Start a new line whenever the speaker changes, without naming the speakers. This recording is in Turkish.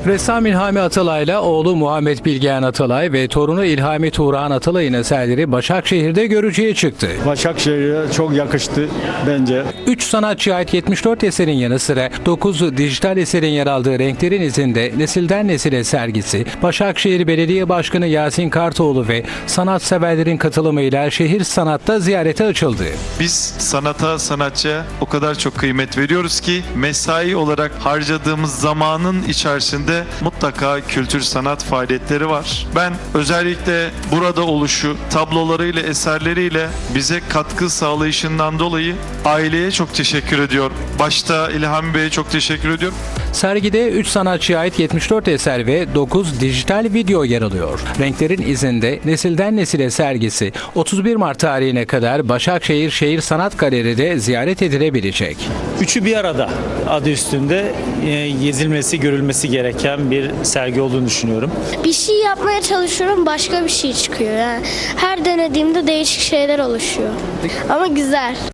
Ressam İlhami Atalay'la oğlu Muhammed Bilgehan Atalay ve torunu İlhami Tuğraan Atalay'ın eserleri Başakşehir'de görücüye çıktı.
Başakşehir'e çok yakıştı bence.
3 sanatçıya ait 74 eserin yanı sıra 9 dijital eserin yer aldığı Renklerin İzinde Nesilden Nesile sergisi, Başakşehir Belediye Başkanı Yasin Kartoğlu ve sanatseverlerin katılımıyla şehir sanatta ziyarete açıldı.
Biz sanata, sanatçıya o kadar çok kıymet veriyoruz ki mesai olarak harcadığımız zamanın içerisinde mutlaka kültür sanat faaliyetleri var. Ben özellikle burada oluşu, tablolarıyla, eserleriyle bize katkı sağlayışından dolayı aileye çok teşekkür ediyorum. Başta İlhami Bey'e çok teşekkür ediyorum.
Sergide 3 sanatçıya ait 74 eser ve 9 dijital video yer alıyor. Renklerin İzinde Nesilden Nesile sergisi 31 Mart tarihine kadar Başakşehir Şehir Sanat Galeri'de ziyaret edilebilecek.
Üçü bir arada adı üstünde gezilmesi, görülmesi gereken bir sergi olduğunu düşünüyorum.
Bir şey yapmaya çalışıyorum, başka bir şey çıkıyor. Yani her denediğimde değişik şeyler oluşuyor. Ama güzel.